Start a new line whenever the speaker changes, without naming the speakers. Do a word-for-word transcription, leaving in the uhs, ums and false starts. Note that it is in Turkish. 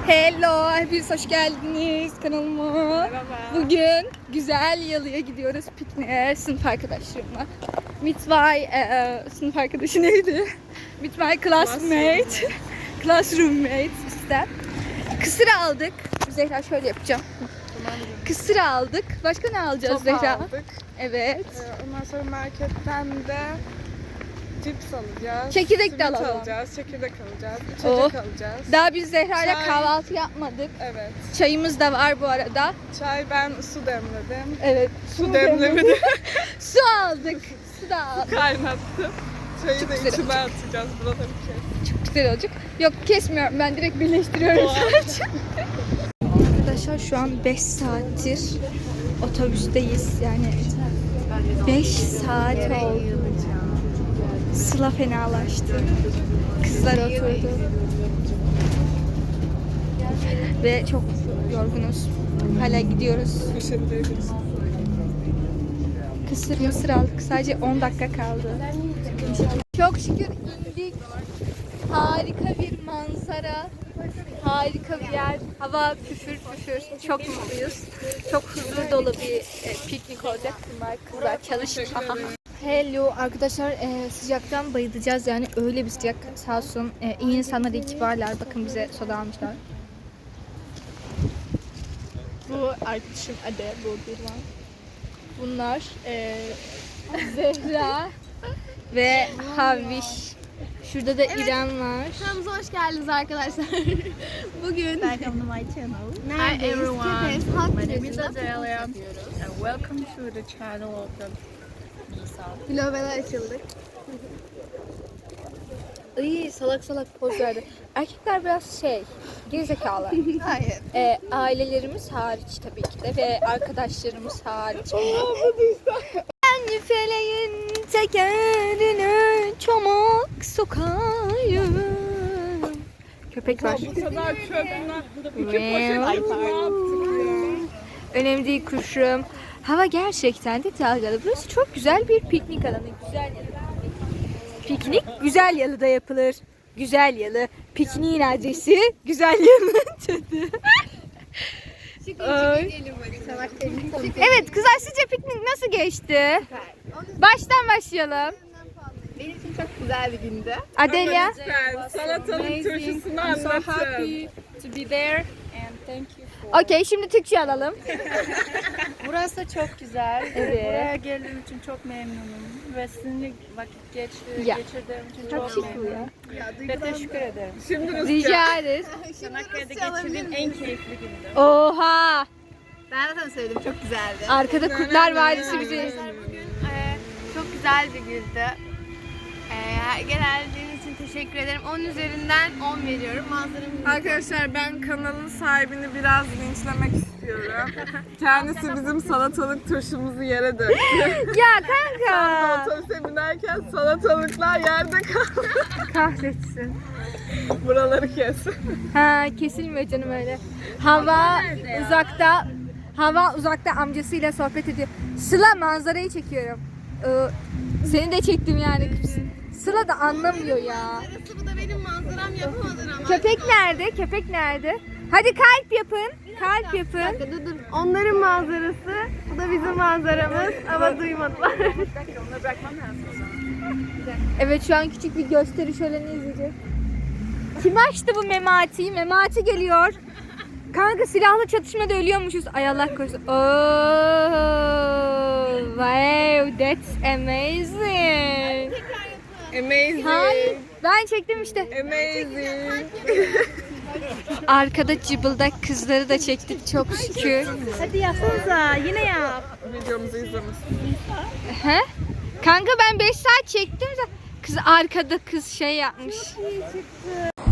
Hello, hepiniz hoş geldiniz kanalıma.
Merhaba.
Bugün güzel yalıya gidiyoruz pikniğe sınıf arkadaşlarımla. Meet my e, sınıf arkadaşı neydi? Meet my classmate, class roommate işte. Kısır aldık. Zehra şöyle yapacağım. Kısır aldık. Başka ne alacağız
Top
Zehra?
aldık.
Evet.
Ee, ondan sonra marketten de cips alacağız.
Çekirdek de
simit
alalım.
alacağız. Çekirdek alacağız. İçecek
Oh.
alacağız.
Daha biz Zehra'yla
Çay.
kahvaltı yapmadık.
Evet.
Çayımız da var bu arada.
Çay ben su demledim.
Evet.
Su demlemedim.
Su aldık. Su da aldık.
Kaynattım. Çayı
Çok
da
güzel
içime atacağız. Buraları kes.
Çok güzel olacak. Yok kesmiyorum, ben direkt birleştiriyorum
Doğal.
sadece. Arkadaşlar şu an beş saattir otobüsteyiz. Yani beş saat oldu. Sıla fenalaştı. Kızlar oturdu. Ve çok yorgunuz. Hala gidiyoruz.
Poşetlerimiz.
Kısır mısır aldık. Sadece on dakika kaldı. Çok şükür indik. Harika bir manzara. Harika bir yer. Hava püfür püfür. Çok mutluyuz. Çok huzur dolu bir e, piknik olacak. Bunlar kızlar çalışın. Hello arkadaşlar, e, sıcaktan bayılacağız yani öyle bir sıcak, sağ olsun e, iyi insanlar, iyi kibarlar, bakın bize soda almışlar. Bu arkadaşım Ade, bu bir var. Bunlar e, Zehra ve Haviş. Şurada da İrem var.
Kanalımıza hoş geldiniz arkadaşlar. Bugün
Welcome to my channel.
Hi everyone.
My name is Adelia and welcome to the channel of the Nisa.
Global açıldık.
İyi salak salak poz verdi. Erkekler biraz şey, gerizekalı.
Hayır.
E, ailelerimiz hariç tabii ki de ve arkadaşlarımız hariç. Ben feleğin tekerini çomak sokayım. Köpek var.
Bu kadar çöpler. İki
Wow.
poşet ne yaptık ya?
Önemli değil kuşum. Hava gerçekten de dalgalı. Burası çok güzel bir piknik alanı. Güzel yalı. Piknik güzel yalıda yapılır. Güzel yalı. Pikniğin adresi güzel yalı tadı. Ay. Evet kızlar, sizce piknik nasıl geçti? Baştan başlayalım.
Benim için çok güzel bir gündü.
Adelia.
Lütfen salatalık turşusunu anlatın.
To be there and thank you for.
Okey, şimdi Türkçe alalım.
Burası da çok güzel.
Evet.
Buraya geldiğim için çok memnunum ve sizinle vakit geç,
Ya.
geçirdiğim için
Çok
çok,
şık bu ya.
memnunum. Ve teşekkür ederim.
Şimdi Rusça.
Rica ederiz.
Çanakkale'de geçirdiğim en keyifli gündü.
Oha.
Ben zaten söyledim, çok güzeldi.
Arkada Kurtlar Vadisi bizi.
Arkadaşlar bugün e, çok güzel bir gündü. E, geldiğiniz için teşekkür ederim. on üzerinden on veriyorum. Manzaramız
Arkadaşlar ben kanalın sahibini biraz linçlemek istiyorum. Kendisi bizim salatalık turşumuzu yere döktü.
Ya kanka.
Otobüse binerken salatalıklar yerde kaldı.
Kahretsin.
Buraları kes.
Ha, kesilmiyor canım öyle. Hava uzakta. Hava uzakta amcasıyla sohbet ediyor. Sıla, manzarayı çekiyorum. Ee, seni de çektim yani. Sıla da anlamıyor ya.
manzarası, bu da benim manzaram, yapamadın ama.
Köpek nerede? Köpek nerede? Hadi kalp yapın. Kalp yapın.
Dur dur. Onların manzarası, bu da bizim manzaramız ama duymadılar.
Evet, şu an küçük bir gösteri şöleni izleyeceğiz. Kim açtı bu Memati'yi? Memati geliyor. Kanka silahlı çatışmada ölüyormuşuz. Ay Allah korusun. Oh, wow, that's amazing.
Amazing.
Hayır, ben çektim işte.
Amazing.
Arkada cıbıldak kızları da çektik çok şükür.
Hadi yapsanıza, yine yap.
Videomuzu izlemesin.
He? Kanka ben beş saat çektim de kız arkada kız şey yapmış.